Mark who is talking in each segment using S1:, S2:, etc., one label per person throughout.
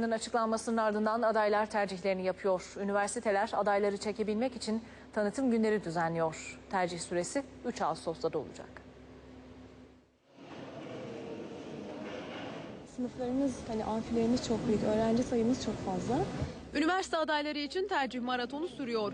S1: Açıklanmasının ardından adaylar tercihlerini yapıyor. Üniversiteler adayları çekebilmek için tanıtım günleri düzenliyor. Tercih süresi 3 Ağustos'ta da olacak.
S2: Sınıflarımız, amfilerimiz çok büyük, öğrenci sayımız çok fazla.
S3: Üniversite adayları için tercih maratonu sürüyor.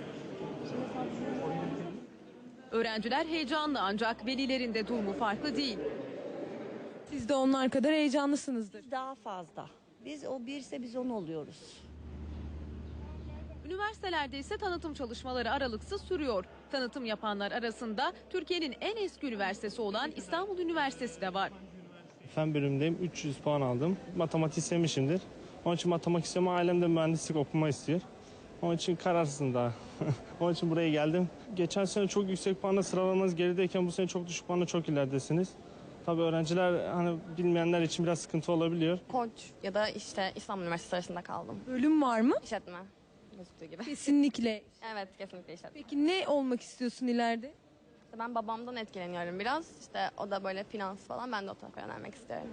S3: Öğrenciler heyecanlı ancak velilerin de durumu farklı değil.
S2: Siz de onlar kadar heyecanlısınızdır.
S4: Daha fazla. Biz o birse biz 10 oluyoruz.
S3: Üniversitelerde ise tanıtım çalışmaları aralıksız sürüyor. Tanıtım yapanlar arasında Türkiye'nin en eski üniversitesi olan İstanbul Üniversitesi de var.
S5: Fen bölümündeyim. 300 puan aldım. Matematik sevmişimdir. Onun için matematik istiyorum. Ailem de mühendislik okuma istiyor. Onun için kararsızım daha. Onun için buraya geldim. Geçen sene çok yüksek puanla sıralamanız gerideyken bu sene çok düşük puanla çok ileridesiniz. Tabii öğrenciler bilmeyenler için biraz sıkıntı olabiliyor.
S6: Koç ya da İstanbul Üniversitesi arasında kaldım.
S2: Bölüm var mı?
S6: İşletme gözüktüğü gibi.
S2: Kesinlikle.
S6: Evet, kesinlikle işletme.
S2: Peki ne olmak istiyorsun ileride?
S6: Ben babamdan etkileniyorum biraz. O da böyle finans falan, ben de o tarafa yönelmek istiyorum.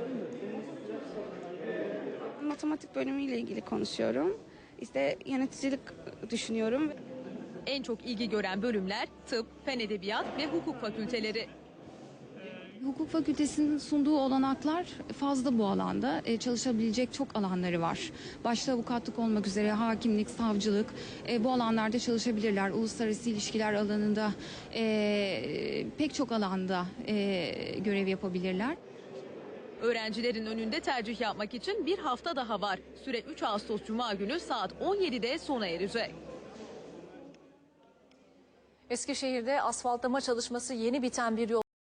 S7: Matematik bölümüyle ilgili konuşuyorum. Yöneticilik düşünüyorum.
S3: En çok ilgi gören bölümler tıp, fen edebiyat ve hukuk fakülteleri.
S8: Hukuk fakültesinin sunduğu olanaklar fazla bu alanda. Çalışabilecek çok alanları var. Başta avukatlık olmak üzere hakimlik, savcılık bu alanlarda çalışabilirler. Uluslararası ilişkiler alanında pek çok alanda görev yapabilirler.
S3: Öğrencilerin önünde tercih yapmak için bir hafta daha var. Süre 3 Ağustos Cuma günü saat 17'de sona erecek.
S1: Eskişehir'de asfaltlama çalışması yeni biten bir yol